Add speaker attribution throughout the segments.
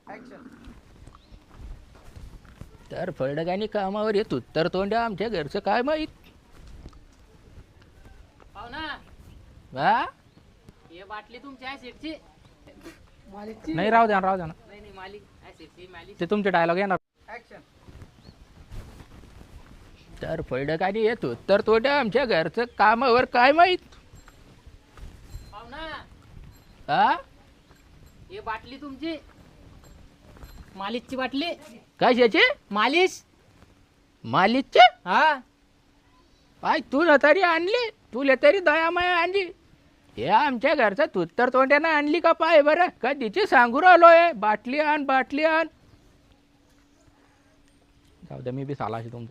Speaker 1: तर फळडगानी कामावर येतो तर तोंड्या आमच्या घरचं काय माहीत.
Speaker 2: पाहुणा
Speaker 1: हा
Speaker 2: हे बाटली तुमच्या ऍसिडची
Speaker 1: नाही, राहू द्या ना.
Speaker 2: नाही मालिक ऍसिडची मालिक
Speaker 1: ते तुमचे डायलॉग येणार. तर फळडगानी येतो तर तोंड्या आमच्या घरचं कामावर काय माहीत.
Speaker 2: पाहुणा
Speaker 1: हा
Speaker 2: हे बाटली तुमची मालिशची बाटली
Speaker 1: कशाची? मालिकचे?
Speaker 2: हा
Speaker 1: पाय तुला तरी आणली, तुला तरी दयामाया आणली. हे आमच्या घरचं तू तर तोंड्यानं आणली का पाय बरं. कधीची सांगू राहिलोय बाटली आण. जाऊ द्या, मी बी सालाशी तुमचा.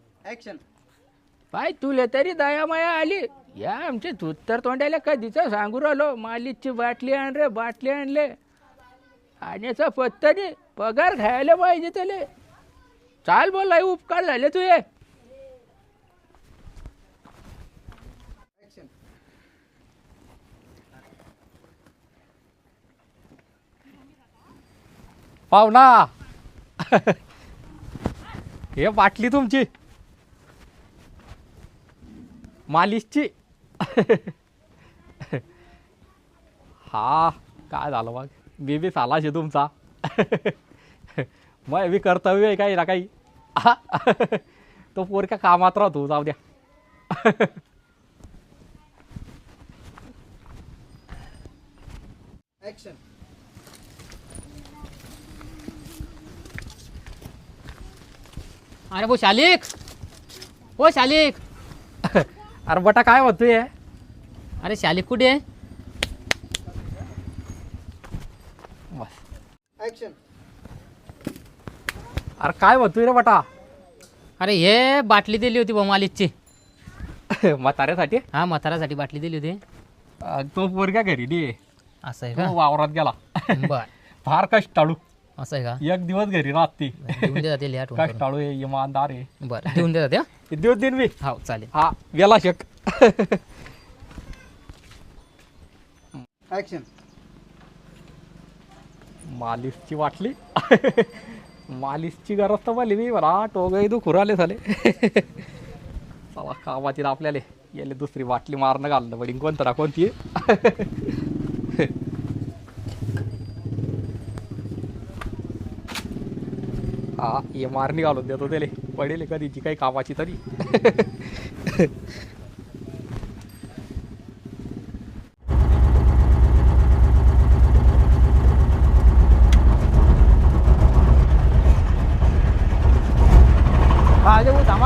Speaker 1: पाय तुला तरी दयामाया आली. या आमचे तू तर तोंड्याला कधीच सांगू राहिलो मालिकची बाटली आण रे, बाटली आणले. आणण्याचा पत्ता नाही, पगार खायला पाहिजे त्याला. चाल बोल, उपकार झाले तुझे.
Speaker 3: पाहुणा हे बाटली तुमची मालिशची. हा काय झालं मग, मी बी सालाश आहे तुमचा. मग बी कर्तव्य आहे काही ना काही. तो पोरक्या कामात राहतो, जाऊ द्या.
Speaker 2: अरे वो शालिक, ओ शालिक.
Speaker 3: अरे बटा काय होतोय.
Speaker 2: अरे शालिक कुठे आहे?
Speaker 3: बस अरे काय होतोय रे बटा.
Speaker 2: अरे हे बाटली दिली होती बा मालिशची.
Speaker 3: म्हाताऱ्यासाठी.
Speaker 2: हा म्हाताऱ्यासाठी बाटली दिली होती.
Speaker 3: तो पोरक्या घरी नाही,
Speaker 2: असं आहे
Speaker 3: तो
Speaker 2: का?
Speaker 3: वावरात गेला.
Speaker 2: बर
Speaker 3: फार कष्टाळू.
Speaker 2: असं आहे का?
Speaker 3: एक दिवस घरी राहते.
Speaker 2: देऊन देतात ते लिहा ठेवून.
Speaker 3: कष्टाळू आहे, इमानदार आहे.
Speaker 2: बरं देऊन देतात त्या.
Speaker 3: दिवस दिन मी.
Speaker 2: हो चालेल.
Speaker 3: हा गेला शक. मालिशची वाटली. मालिशची गरज तर मला मी बरा टोगही दुखू राहिले झाले. चला कामाची आपल्याला याले दुसरी बाटली मारणं घालणं पडीन कोणतं ना कोणती. हा ये मारणी घालून देतो त्याले, पडेल कधीची काही कामाची तरी.
Speaker 1: थांबा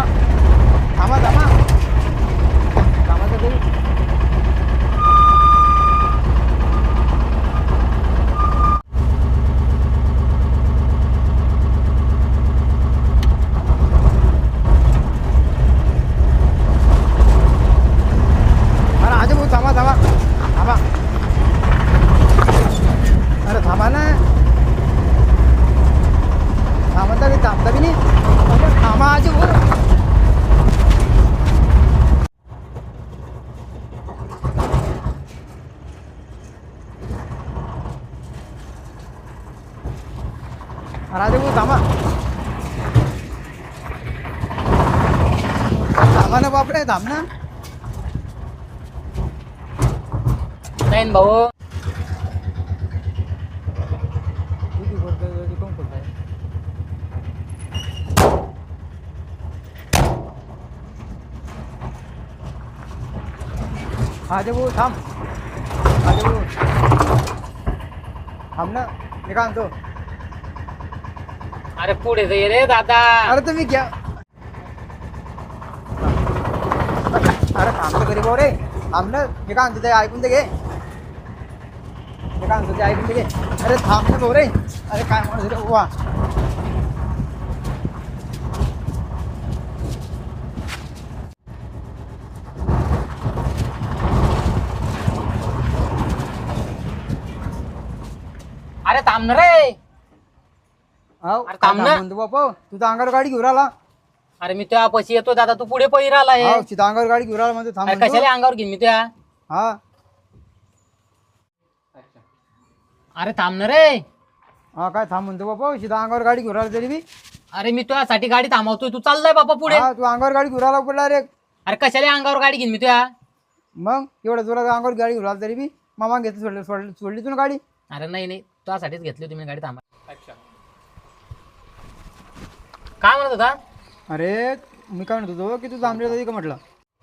Speaker 1: अरे थांबा ना. थांबता बी नाही. थांबा आजी बोल. राजे भाऊ थांबा. थांबा ना बापरे, थांब ना.
Speaker 2: नाही भाऊ.
Speaker 1: राजे भाऊ थांब. राजे भाऊ थांब ना, मी काय म्हणतो.
Speaker 2: अरे पुढे ये रे दादा.
Speaker 1: अरे तुम्ही घ्या. अरे थांबतो घरी भाऊ रे, थांब ना. मी काय म्हणतो ते ऐकून ते घे. मी काय म्हणतो ते ऐकून ते घे. अरे थांब ना भाऊ रे. अरे काय म्हणतो रे वा.
Speaker 2: अरे थांब ना रे.
Speaker 1: अरे
Speaker 2: थांब ना.
Speaker 1: म्हणतो बापा, तुझा अंगावर गाडी घेऊन आला.
Speaker 2: अरे मी तुझ्या पशी येतो दादा, तू पुढे पळी राहिला आहे.
Speaker 1: हो तुझा अंगावर गाडी घेऊन आला म्हणतो. थांब
Speaker 2: अरे
Speaker 1: म्हणतो.
Speaker 2: कशाला अंगावर घेईन मी त्या.
Speaker 1: हा
Speaker 2: अरे थांब ना रे.
Speaker 4: हा काय थांब म्हणतो बाबा सीधा अंगावर गाडी घेऊन राहिला तरी बी
Speaker 2: अरे मी तुझ्यासाठी गाडी थांबवतोय तू चाललाय बाबा पुढे.
Speaker 4: हा तू अंगावर गाडी घेऊन राहिला पडला रे
Speaker 2: अरे कशाला अंगावर गाडी घेईन मी तुझ्या.
Speaker 4: मग एवढं तुला अंगावर गाडी घेऊन राहिला तरी बी मामा घेतली सोडली तू ना गाडी.
Speaker 2: अरे नाही तुझ्यासाठीच घेतली होती मी गाडी थांबा. काय म्हणत होता.
Speaker 4: अरे मी काय म्हणत होतो की तू जांभळे जाती का म्हटलं.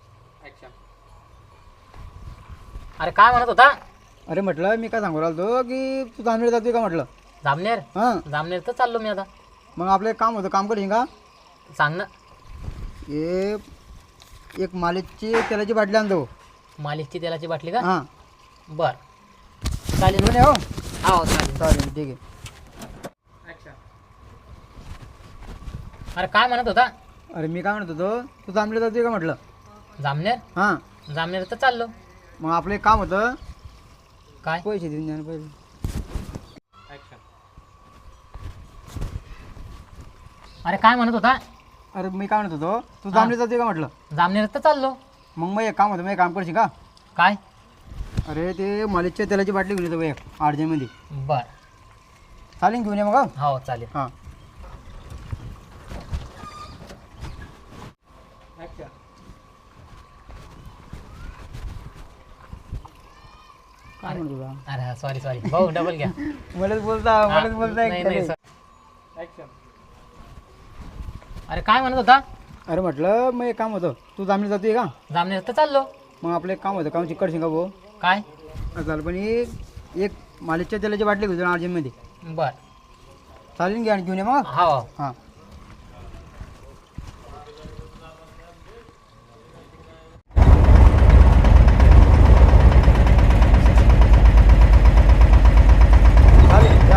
Speaker 2: अरे काय म्हणत होता.
Speaker 4: अरे म्हटलं मी काय सांगू राहिलो की तू जांभळे जातोय का म्हटलं.
Speaker 2: जामनेर
Speaker 4: हां
Speaker 2: जामनेर तर चाललो मी आता.
Speaker 4: मग आपलं एक काम होतं काम करशील का.
Speaker 2: सांग ना.
Speaker 4: हे एक मालिकची तेलाची बाटली आणतो.
Speaker 2: मालिशची तेलाची बाटली का.
Speaker 4: हां
Speaker 2: बर चालेल.
Speaker 4: घेऊन ये हो.
Speaker 2: हो चालेल.
Speaker 4: चालेल ठीक आहे.
Speaker 2: अरे काय म्हणत होता.
Speaker 4: अरे मी काय म्हणत होतो तू जांभळे जातोय का म्हटलं.
Speaker 2: जामनेर
Speaker 4: हां
Speaker 2: जामनेर तर चाललो.
Speaker 4: मग आपलं एक काम होतं
Speaker 2: काय.
Speaker 4: पैसे देऊन द्या ना पहिले.
Speaker 2: अरे काय म्हणत होता.
Speaker 4: अरे मी काय म्हणत होतो तू जांभळे जातोय का म्हटलं.
Speaker 2: जामनेर तर चाललो.
Speaker 4: मग एक काम होतं मग एक काम करशील का.
Speaker 2: काय.
Speaker 4: अरे ते मालिकच्या तेलाची बाटली घेऊन येतो एक अर्जंटमध्ये.
Speaker 2: बर
Speaker 4: चालेल घेऊन ये मग हं?
Speaker 2: हो चालेल.
Speaker 4: हां काय म्हणतो तुला.
Speaker 2: अरे सॉरी भाऊ डबल घ्या.
Speaker 4: मलाच बोलता
Speaker 2: नाही, नाही, अरे काय म्हणत होता.
Speaker 4: अरे म्हटलं मग एक काम होतं तू जांभळे जातोय का.
Speaker 2: जामनेर तर चाललो.
Speaker 4: मग आपलं एक काम होतं काम चिकट शिंगा भाऊ.
Speaker 2: काय.
Speaker 4: चालेल पण एक मालिकच्या तेलाची बाटली घेऊन अर्जंटमध्ये.
Speaker 2: बर
Speaker 4: चालेल घ्या आणि घेऊन ये मग.
Speaker 2: हो.
Speaker 4: हां चालेल घ्या.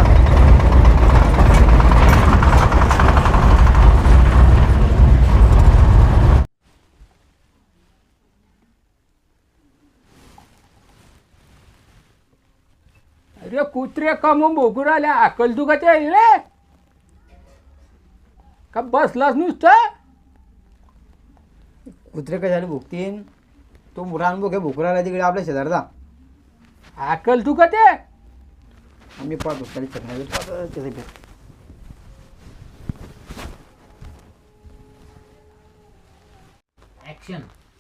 Speaker 1: अरे कुत्रे कमून भोगू राहिल्या अकल तू का ते रे का बसलास नुसतं.
Speaker 4: कुत्रे कशाला भुकतीन तो मुरान भुके भुकराला तिकडे आपल्या शेजारचा.
Speaker 1: अकल तू का ते.
Speaker 4: आम्ही पाहतो खाली चकण्याचं त्याचं भेट.
Speaker 2: ऍक्शन.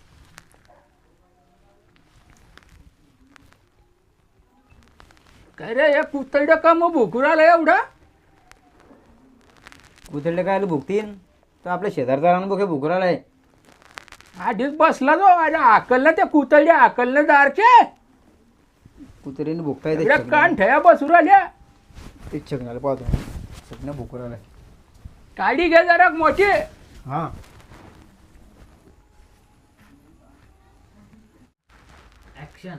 Speaker 1: काय रे हे कुत्तडं का मग भोकू राहिलं एवढं.
Speaker 4: कुत्रे काय भुकतीन तर आपल्या शेजारचा रान भुके भुकराला आहे.
Speaker 1: आधीच बसला जो अरे अकलनं ते कुतळी अकलनं दारचे
Speaker 4: कुत्र्याने भुकता येते
Speaker 1: एवढ्या कान ठया बसू राहिल्या.
Speaker 4: ते चकण्याला पाहतो चकण्या भुकराला आहे.
Speaker 1: काडी घे जरा मोठी.
Speaker 4: हां
Speaker 2: ऍक्शन.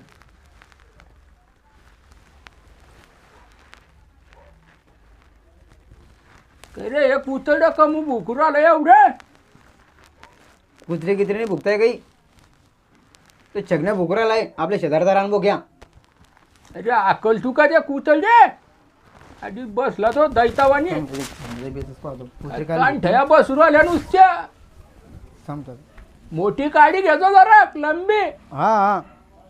Speaker 1: काय रे हे कुतळं का मग भोकू राहिलं एवढं.
Speaker 4: कुत्रे कित्रेने भुकताय काही ते चकण्या भुकराला आहे आपल्या शेजारचा रान भुक्या.
Speaker 1: अरे अकल तू का ते कुतळले आधी बसला तो दैतावानी
Speaker 4: कुत्रे
Speaker 1: कान
Speaker 4: काय
Speaker 1: ठया बसू राहिल्या नुसत्या.
Speaker 4: थांबतात.
Speaker 1: मोठी काडी घेतो जरा लंबी.
Speaker 4: हां हां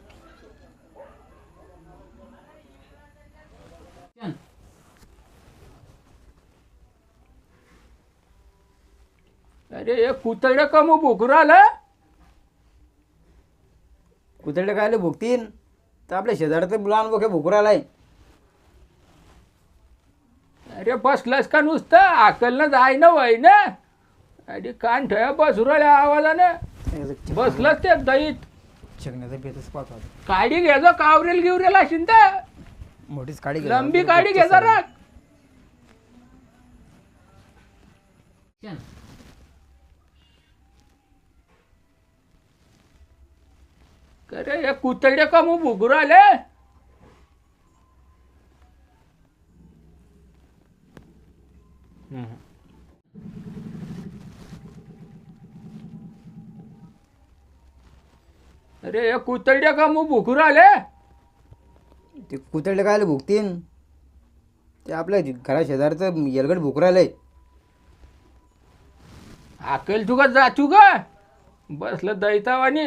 Speaker 1: अरे हे कुतळं का मग भोकू राहिलं.
Speaker 4: कुत्रे काय भुकतीन तर आपल्या शेजारचं लहान भुके भुकराला आहे.
Speaker 1: अरे बसलास का नुसतं अकलनं जाय ना वय ना अरे कान ठया बसू राहिल्या आवाजानं बसलास ते दैत.
Speaker 4: चकण्याचा बेतच पाहतो आता.
Speaker 1: काडी घ्यायचो कावरेल गिवरेल असेल तर
Speaker 4: मोठीच काडी घे.
Speaker 1: लंबी काडी घे जरा. अरे हे कुतडे का मग भुगू राहिले. अरे हे कुतडे का मग भुगू राहिले.
Speaker 4: ते कुत्रे काय भुकतीन ते आपल्या घरा शेजारचं येलगड भुकराला आहे.
Speaker 1: अकल तू का जातू का बसलं दैतावानी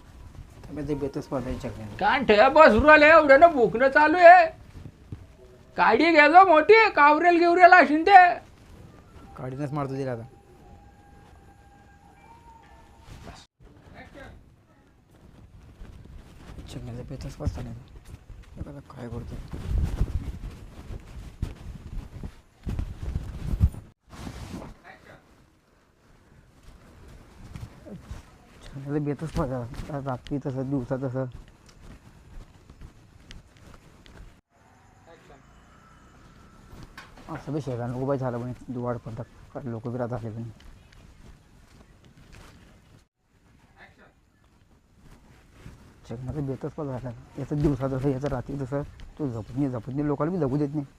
Speaker 4: ते बेतच पाहतो चकण्याला.
Speaker 1: कान ठेवा बसू राहिले एवढं ना भुकणं चालू आहे. काडी गेलो मोठी कावरेल गिवरेल असेल ते.
Speaker 4: काढीनच मारतो तिला आता. चंगल्याचा पेचच वाजता नाही आता काय करतो. चंगल्याचा बेतच वाजा रात्री तसं दिवसा तसं. असं बी शेगा नको बाई झालं पण दुवाड पडतात लोक बी राहत आले पण. चंगल्याचा बेतच पण झाला. याचं दिवसा तसं याचं रात्री तसं. तो झपत नाही लोकांना बी जगू देत नाही.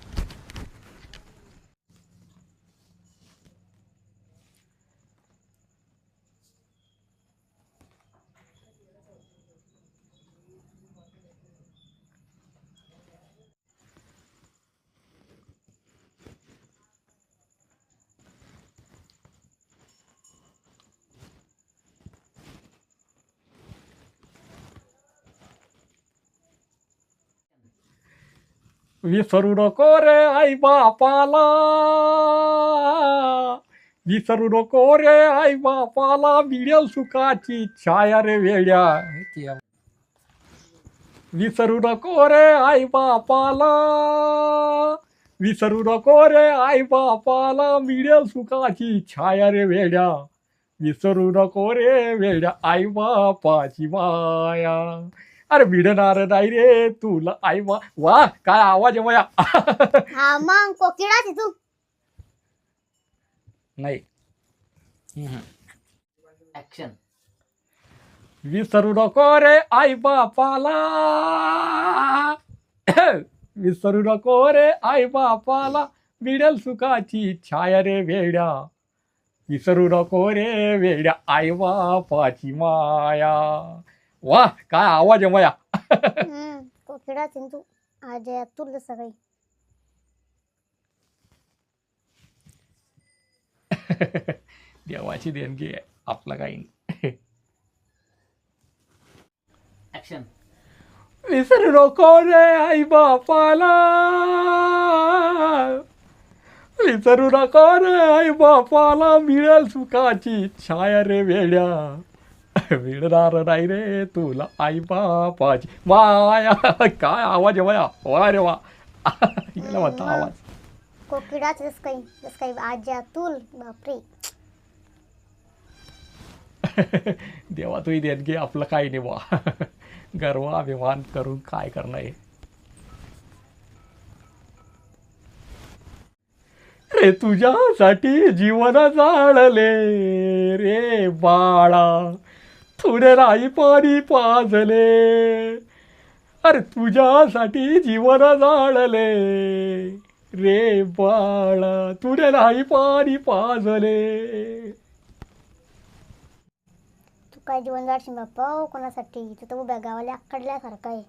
Speaker 3: विसरू नको रे आई बापाला, विसरू नको रे आई बापाला, मिळेल सुखाची छाया रे वेड्या. विसरू नको रे आई बापाला, विसरू नको रे आई बापाला, मिळेल सुखाची छाया रे वेड्या. विसरू नको रे वेड्या आई बापाची माया. अरे भिडणार नाही रे तुला आई वा. वा काय आवाज आहे माया.
Speaker 5: हा मग कोकिळाच आहे तू.
Speaker 3: नाही.
Speaker 2: ऍक्शन.
Speaker 3: विसरू नको रे आई बापाला, विसरू नको रे आई बापाला, मिळेल सुखाची छाया रे वेड्या. विसरू नको रे वेड्या आई बापाची माया. वा काय आवाज आहे माया.
Speaker 5: कोकिळाच आहे तू. आज तुला सगळी
Speaker 3: देवाची देणगी आहे आपला काही नाही.
Speaker 2: ऍक्शन.
Speaker 3: विसरू नको रे आई बापाला, विसरू नको रे आई बापाला, मिळेल सुखाची छाया रे वेड्या. मिळणार नाही रे तुला आई बापाची माया. काय आवाज आहे माया. वा रे वा. याला म्हणता आवाज.
Speaker 5: कोकिळाच जस काही आज तुल बापरे.
Speaker 3: देवा तुही देणगी आपलं काही नाही बा. गर्व अभिमान करून काय करणं आहे. रे तुझ्यासाठी जीवन जाळले रे बाळा, थोडे राई पाणी पाजले. अरे तुझ्यासाठी जीवन जाळले रे बाळा, तुझे राई पाणी पाजले.
Speaker 5: तू काय जीवन जाडशील बाप्पा कोणासाठी. तू तर उभ्या गावाला आकडल्यासारखं आहे.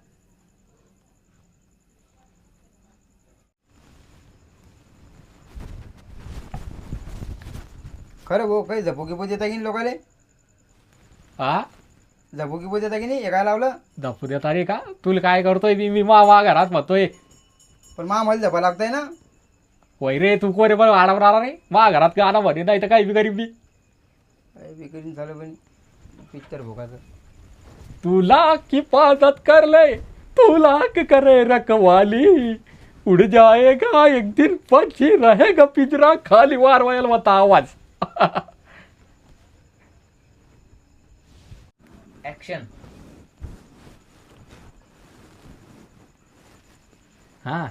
Speaker 4: खरं भाऊ काही झपोकी पोत येता की नाही लोकाले.
Speaker 3: हा
Speaker 4: झपोकी पोत येता की नाही. हे काय लावलं.
Speaker 3: दाखवू देता रे का. तुला काय करतोय मी मा घरात म्हणतोय.
Speaker 4: पण मा मला झपा लागतंय ना.
Speaker 3: होय रे तू कोरे पण आडावर आला रे. मा घरात काय आला म्हणे नाही तर काही बी गरीब बी.
Speaker 4: काय बिकरीन झालं पण पिक्चर भोगाचं.
Speaker 3: तुला हिफाजत कर ले, तुला करे रखवाली, उड़ जाएगा एक दिन पक्षी रहेगा पिंजरा खाली. वारवायला होता आवाज.
Speaker 2: ऍक्शन. हा.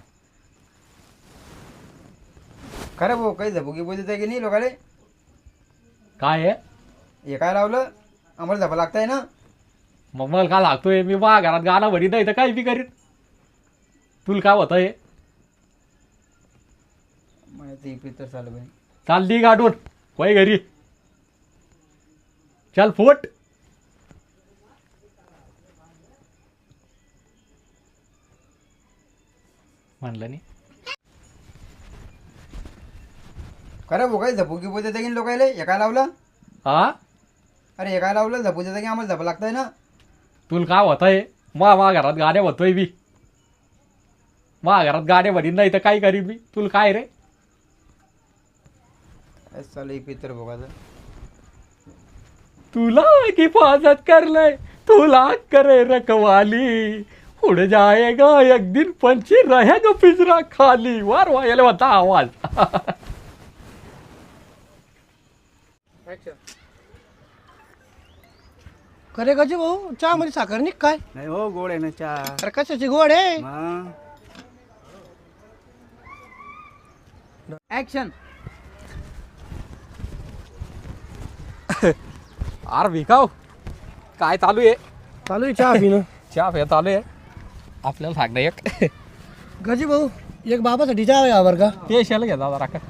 Speaker 4: खरं भाऊ काही झपोकी पोत येता की नाही लोकाले.
Speaker 3: काय आहे
Speaker 4: हे काय लावलं. आम्हाला झपा लागतंय ना.
Speaker 3: मग मला का लागतोय. मी मा घरात गाणं म्हणी नाही तर काही बी करीन. तुला काय होतं हे.
Speaker 4: माहिती पिक्चर चालू पण.
Speaker 3: चाल दी गाठून वय घरी. चल फुट. म्हणलं नाही.
Speaker 4: खरं भाऊ काही झपोकी पोत येता की नाही लोकाले. हे काय लावलं.
Speaker 3: हा
Speaker 4: अरे हे काय लावलं. झपू देता की आम्हाला झपा लागतंय ना.
Speaker 3: तुला काय होतं हे. मा घरात गाणे होतोय बी. मा घरात गाड्या भरीन नाही तर काय करीन मी तुला काय रे
Speaker 4: चालू पितर बघायचं
Speaker 3: तुला हिफाजत कर ले तुला करे रखवाली उड़ जाएगा एक दिन पंछी रहेगा पिंजरा खाली वार वायाला होता आवाज
Speaker 6: खरे गजी भाऊ चहा मध्ये साखर निघ काय
Speaker 4: नाही हो गोड आहे ना चहा
Speaker 6: अरे कशाची गोड आहे
Speaker 4: ऍक्शन
Speaker 3: आर विकाव काय चालू आहे
Speaker 6: चालू आहे चहा पिणं
Speaker 3: चहा पे चालू आहे आपल्याला सांगणं एक
Speaker 6: गजी भाऊ एक बाबासाठी चहा आहे बरं का
Speaker 3: पेशाला घ्या जरा का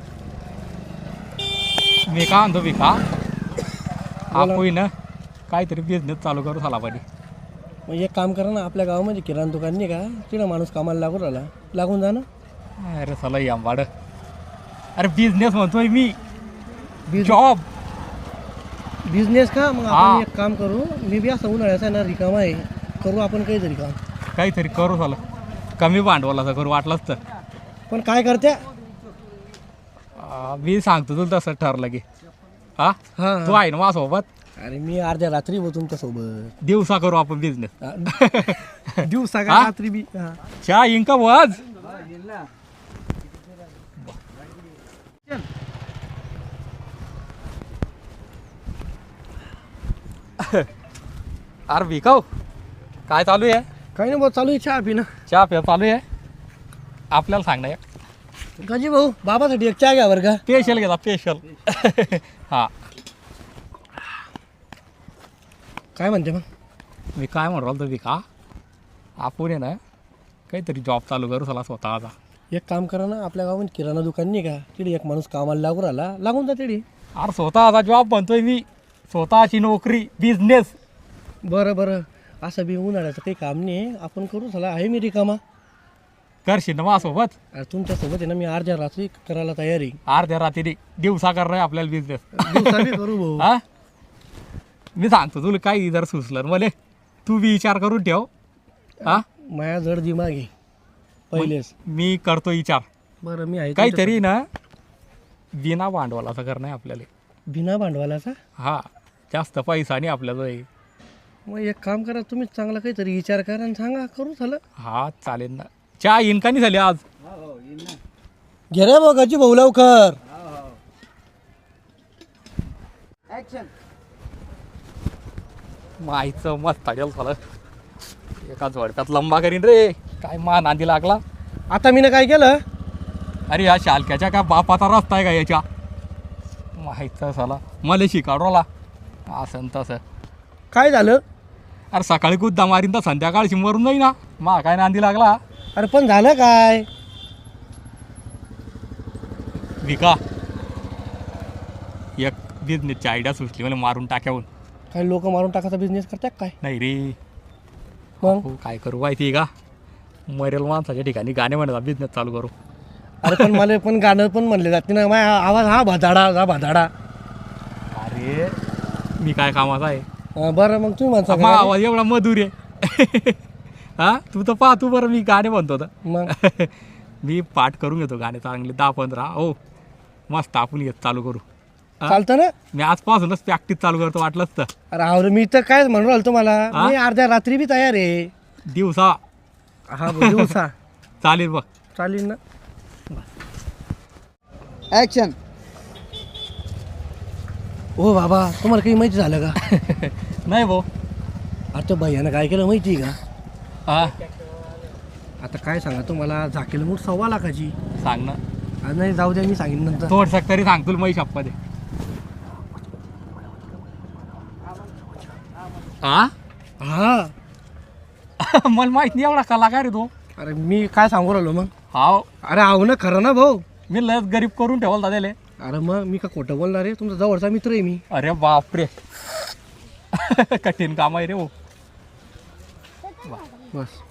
Speaker 3: मी का म्हणतो विका आपण ना काहीतरी बिझनेस चालू करू झाला पाहिजे
Speaker 6: मग एक काम करा ना आपल्या गावामध्ये किराणा दुकान नाही का तिला माणूस कामाला लागून राहिला लागून जा ना
Speaker 3: अरे चला आंबाड अरे बिझनेस म्हणतोय मी
Speaker 6: बिझ-
Speaker 3: जॉब
Speaker 6: बिझनेस का मग
Speaker 3: हा.
Speaker 6: आपण एक काम करू मी बी असं उन्हाळ्याचा आहे ना रिकामा आहे करू आपण काहीतरी काम
Speaker 3: काहीतरी करू झालं कमी भांडवलाचं करू वाटलंच तर
Speaker 6: पण काय करत्या
Speaker 3: मी सांगतो तुला तसं ठरलं की हा
Speaker 6: हा
Speaker 3: तू आहे ना माझ्यासोबत
Speaker 6: अरे मी अर्ध्या रात्री हो तुमच्या सोबत
Speaker 3: दिवसा करू आपण बिझनेस
Speaker 6: दिवसा का
Speaker 3: हा?
Speaker 6: रात्री बी हा.
Speaker 3: चहा इंका वाज अरे विकाव काय चालू आहे
Speaker 6: काही नाही भाऊ चालू आहे चहा पिणं
Speaker 3: चहा पे चालू आहे आपल्याला सांगणं एक
Speaker 6: गजी भाऊ बाबासाठी एक चहा घ्या बरं का
Speaker 3: स्पेशल घेता स्पेशल हा
Speaker 6: काय म्हणते मग
Speaker 3: मी काय म्हणू राहिलो विका आपण आहे ना काहीतरी जॉब चालू करू चला स्वतःचा
Speaker 6: एक काम करा ना आपल्या गावामध्ये किराणा दुकान नाही का तिथे एक माणूस कामाला लागून राहिला लागून जा तिथे
Speaker 3: अरे स्वतःचा जॉब म्हणतोय मी स्वतःची नोकरी बिझनेस
Speaker 6: बरं बरं असं बी उन्हाळ्याचं काही काम नाही आपण करू झाला आहे मी रिकामा
Speaker 3: करशील ना माझ्यासोबत
Speaker 6: अरे तुमच्यासोबत आहे ना मी अर्ध्या रात्री करायला तयार आहे
Speaker 3: अर्ध्या रात्री दिवसा करणार आहे आपल्याला बिझनेस
Speaker 6: दिवसा बी करू भाऊ
Speaker 3: हा मी सांगतो तुला काही जर सुचलं मला तू बी विचार करून ठेव हा
Speaker 6: माया जड दिमाग आहे पहिलेच
Speaker 3: मी करतो विचार
Speaker 6: बरं मी आहे
Speaker 3: काहीतरी ना बिना भांडवलाचं करणं आहे आपल्याला
Speaker 6: तुमच्या- बिना भांडवलाचा
Speaker 3: हा जास्त पैसा नाही आपल्याला
Speaker 6: मग एक काम करा तुम्ही चांगला काहीतरी विचार करा आणि सांगा करू झालं
Speaker 3: हा चालेल ना चहा इनका नाही झाली आज
Speaker 6: घे रे बघाची भाऊ लवकर
Speaker 4: ऍक्शन
Speaker 3: माईचं मस्त ताडेल झालं एका झोडप्यात लंबा करीन रे काय मा नांदी लागला
Speaker 6: आता मी काय केलं
Speaker 3: अरे या शालक्याच्या काय बापाचा रस्ता आहे का याच्या माहीतच झाला मला शिकाडवला असं न तसं
Speaker 6: काय झालं
Speaker 3: अरे सकाळी गुद्दा मारीन तर संध्याकाळशी मरून जाई ना मा काय नांदी लागला
Speaker 6: अरे पण झालं काय
Speaker 3: विका एक बिझनेसची आयडिया सुचली मला मारून टाक्याहून
Speaker 6: काही लोक मारून टाकायचा बिझनेस करतात काय
Speaker 3: नाही रे
Speaker 6: मग
Speaker 3: हो काय करू माहिती आहे का मरेल माणसाच्या ठिकाणी गाणे म्हणत बिझनेस चालू करू
Speaker 6: अरे पण मला पण गाणं पण म्हणले जाते ना माझा आवाज हा भादाडा
Speaker 3: अरे मी काय कामाचा आहे
Speaker 6: बरं मग तुम्ही म्हणता
Speaker 3: मा
Speaker 6: का?
Speaker 3: आवाज एवढा मधुर आहे हा तू तर पाहतो बरं मी गाणे म्हणतो तर
Speaker 6: मग
Speaker 3: मी पाठ करून घेतो गाणे चांगले 10-15 हो मस्त आपण घेत चालू करू हा?
Speaker 6: चालतं ना
Speaker 3: मी आजपासूनच प्रॅक्टिस चालू करतो वाटलंच तर
Speaker 6: अरे आवर मी तर काय म्हणून राहिलो तुम्हाला
Speaker 3: हा?
Speaker 6: मी अर्ध्या रात्री बी तयार आहे
Speaker 3: दिवसा
Speaker 6: हा भाऊ, दिवसा
Speaker 3: चालेल बघ
Speaker 6: चालेल ना
Speaker 4: ऍक्शन
Speaker 6: हो बाबा तुम्हाला काही माहिती झालं का
Speaker 3: नाही भाऊ
Speaker 6: अरे तो भैयानं काय केलं माहिती आहे का
Speaker 3: हा
Speaker 6: आता काय सांगा तुम्हाला झाकेल मूठ 1.25 लाखाची
Speaker 3: सांग ना
Speaker 6: आज नाही जाऊ द्या मी सांगेन नंतर
Speaker 3: थोडसं तरी सांग तुला मै शप्पा हा
Speaker 6: हा
Speaker 3: मला माहित नाही एवढा कलाकार आहे तो
Speaker 6: अरे मी काय सांगू राहिलो मग
Speaker 3: हाव
Speaker 6: अरे आहो ना खरं ना भाऊ
Speaker 3: मी लस गरीब करून ठेवल दादाले
Speaker 6: अरे मग मी का खोटं बोलणार आहे तुमचा जवळचा मित्र आहे मी
Speaker 3: अरे बापरे कठीण काम आहे रे हो
Speaker 6: बस